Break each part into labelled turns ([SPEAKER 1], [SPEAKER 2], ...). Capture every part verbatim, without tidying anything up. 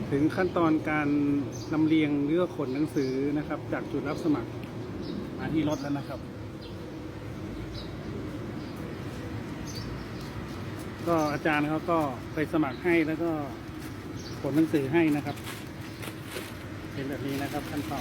[SPEAKER 1] ถึงขั้นตอนการลำเลียงหรือขนหนังสือนะครับ จากจุดรับสมัครมาที่รถแล้วนะครับ ก็อาจารย์เขาก็ไปสมัครให้แล้วก็ขนหนังสือให้นะครับเป็นแบบนี้นะครับขั้นตอน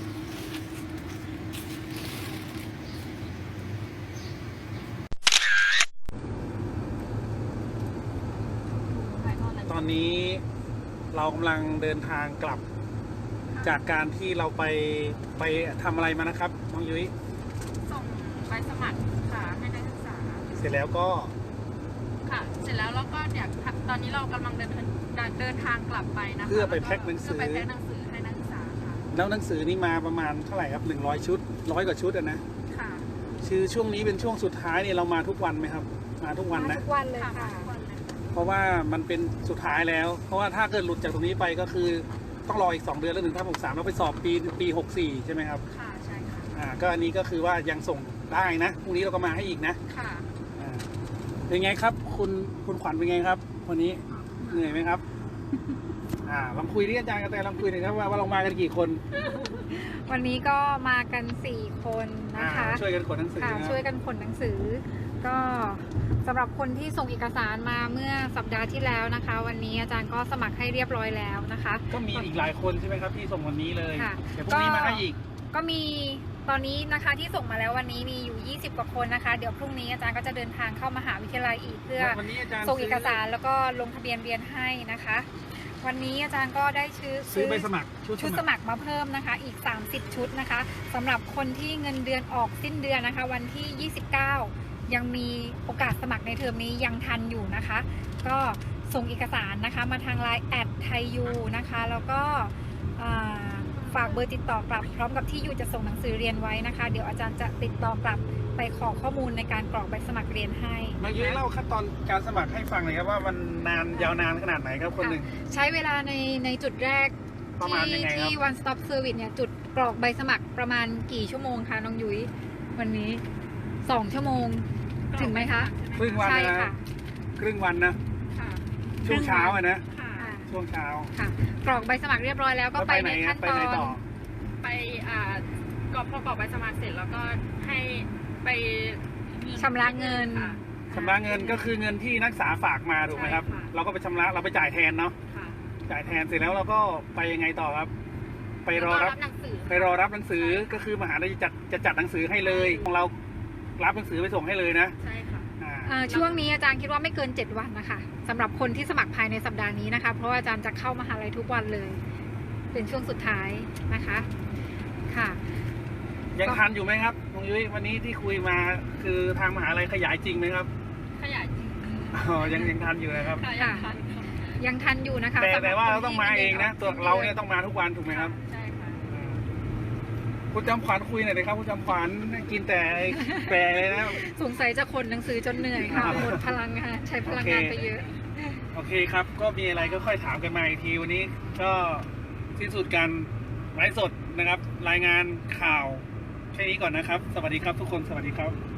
[SPEAKER 1] ตอนนี้เรากำลังเดินทางกลับจากการที่เราไปไปทำอะไรมานะครับน้องยุ้ย
[SPEAKER 2] ส่งใบสมัครค่ะให้นักศึกษา
[SPEAKER 1] เสร็จแล้วก็
[SPEAKER 2] ค่ะเสร็จแล้วเราก็เดี๋ยวตอนนี้เรากำลังเดินเดินทางกลับไปนะคะ
[SPEAKER 1] เพื่อไปแพ็คหนังสือ
[SPEAKER 2] เพื่อไปแพ็คหนังสือให้นักศึกษาค่ะ
[SPEAKER 1] แล้วหนังสือนี่มาประมาณเท่าไหร่ครับหนึ่งร้อยชุดร้อยกว่าชุดอะนะ
[SPEAKER 2] ค่ะ
[SPEAKER 1] คือช่วงนี้เป็นช่วงสุดท้ายเนี่ยเรามาทุกวันไหมครับมาทุกวันนะ
[SPEAKER 2] ทุกวันเลยค่ะ
[SPEAKER 1] เพราะว่ามันเป็นสุดท้ายแล้วเพราะว่าถ้าเกิดหลุดจากตรงนี้ไปก็คือต้องรออีกสองเดือนแล้วถึงถ้าหกสามเราไปสอบปีปีหกสี่ใช่ไหมครับ
[SPEAKER 2] ค่ะใช่ค่ะ
[SPEAKER 1] อ่าก็อันนี้ก็คือว่ายังส่งได้นะพรุ่งนี้เราก็มาให้อีกนะ
[SPEAKER 2] ค่ะ
[SPEAKER 1] อ่าเป็นไงครับคุณคุณขวัญเป็นไงครับวันนี้เหนื่อยไหมครับอ่าลองคุยที่อาจารย์กระแตลองคุยหน่อยครับว่าว่าเรามากันกี่คน
[SPEAKER 3] วันนี้ก็มากันสี่คนนะคะ
[SPEAKER 1] ช่วยกันขนหนังสือ
[SPEAKER 3] ช่วยกันขนหนังสือก็สำหรับคนที่ส่งเอกสารมาเมื่อสัปดาห์ที่แล้วนะคะ วันนี้อาจารย์ก็สมัครให้เรียบร้อยแล้วนะคะ
[SPEAKER 1] ก็มีอีกหลายคนใช่ไหมครับที่ส่งวันนี้เลยเดี๋ยวพรุ่งนี้มาให้อีก
[SPEAKER 3] ก็มีตอนนี้นะคะที่ส่งมาแล้ววันนี้มีอยู่ยี่สิบกว่าคนนะคะเดี๋ยวพรุ่งนี้อาจารย์ก็จะเดินทางเข้ามหาวิทยาลัยอีกเพื่อส่งเอกสารแล้วก็ลงทะเบียนเรียนให้นะคะวันนี้อาจารย์ก็ได้ซื้อ
[SPEAKER 1] ซื้อใบสมัคร
[SPEAKER 3] ชุดสมัครมาเพิ่มนะคะอีกสามสิบชุดนะคะสำหรับคนที่เงินเดือนออกสิ้นเดือนนะคะวันที่ยี่สิบเก้ายังมีโอกาสสมัครในเทอมนี้ยังทันอยู่นะคะก็ส่งเอกสารนะคะมาทางไลน์แอดไทยูนะคะแล้วก็ฝากเบอร์ติดต่อกลับพร้อมกับที่อยู่จะส่งหนังสือเรียนไว้นะคะเดี๋ยวอาจารย์จะติดต่อกลับไปขอข้อมูลในการกรอกใบสมัครเรียนให้
[SPEAKER 1] มายุ้ยเล่าขั้นตอนการสมัครให้ฟังหน่อยครับว่ามันนานยาวนานขนาดไหนครับคนหนึ่ง
[SPEAKER 3] ใช้เวลาในในจุดแรกที่ที่ one stop service เนี่ยจุดกรอกใบสมัครประมาณกี่ชั่วโมงคะน้องยุ้ยวันนี้สองชั่วโมงถึงไหมคะ
[SPEAKER 1] ครึ่งวันนะครึ่งวันนะช่วงเช้าอะนะช่วงเช้า
[SPEAKER 3] ค่ะกรอกใบสมัครเรียบร้อยแล้วก็ไปในขั้นตอน
[SPEAKER 2] ไปอ่ากรอกพอกรอกใบสมัครเสร็จแล้วก็ให้ไป
[SPEAKER 3] ชำระเงิน
[SPEAKER 1] ชำระเงินก็คือเงินที่นักศึกษาฝากมาถูกไหมครับเราก็ไปชำระเราไปจ่ายแทนเนาะจ่ายแทนเสร็จแล้วเราก็ไปยังไงต่อครับไปรอรับไปรอรับหนังสือก็คือมหาลัยจะจัดจะจัดหนังสือให้เลยของเรารับหนังสือไปส่งให้เลยนะ
[SPEAKER 2] ใช่ค่ะ
[SPEAKER 3] ช่วงนี้อาจารย์คิดว่าไม่เกินเจ็ดวันนะคะสำหรับคนที่สมัครภายในสัปดาห์นี้นะคะเพราะว่าอาจารย์จะเข้ามหาลัยทุกวันเลยเป็นช่วงสุดท้ายนะคะค่ะ
[SPEAKER 1] ยังทันอยู่ไหมครับน้องยุ้ยวันนี้ที่คุยมาคือทางมหาลัยขยายจริงไหมครับ
[SPEAKER 2] ขยายจริง
[SPEAKER 1] อ๋อยังยังทันอยู่นะครับ
[SPEAKER 3] ค่ะยังทันอยู่นะคะ
[SPEAKER 1] แต่แต่ว่าเราต้องมาเองนะตัวเราเนี่ยต้องมาทุกวันถูกไหมครับ
[SPEAKER 2] ใช่ค่ะ
[SPEAKER 1] คุณจำขวัญคุยหน่อยเลยครับคุณจำขวัญกินแต่แปรเลยนะ
[SPEAKER 3] สงสัยจะขนหนังสือจนเหนื่อยค่ะหมดพลังค่ะใช้พลังงานไปเยอะ
[SPEAKER 1] โอเคครับก็มีอะไรก็ค่อยถามกันมาอีกทีวันนี้ก็สิ้นสุดการไลฟ์สดนะครับรายงานข่าวแค่นี้ก่อนนะครับสวัสดีครับทุกคนสวัสดีครับ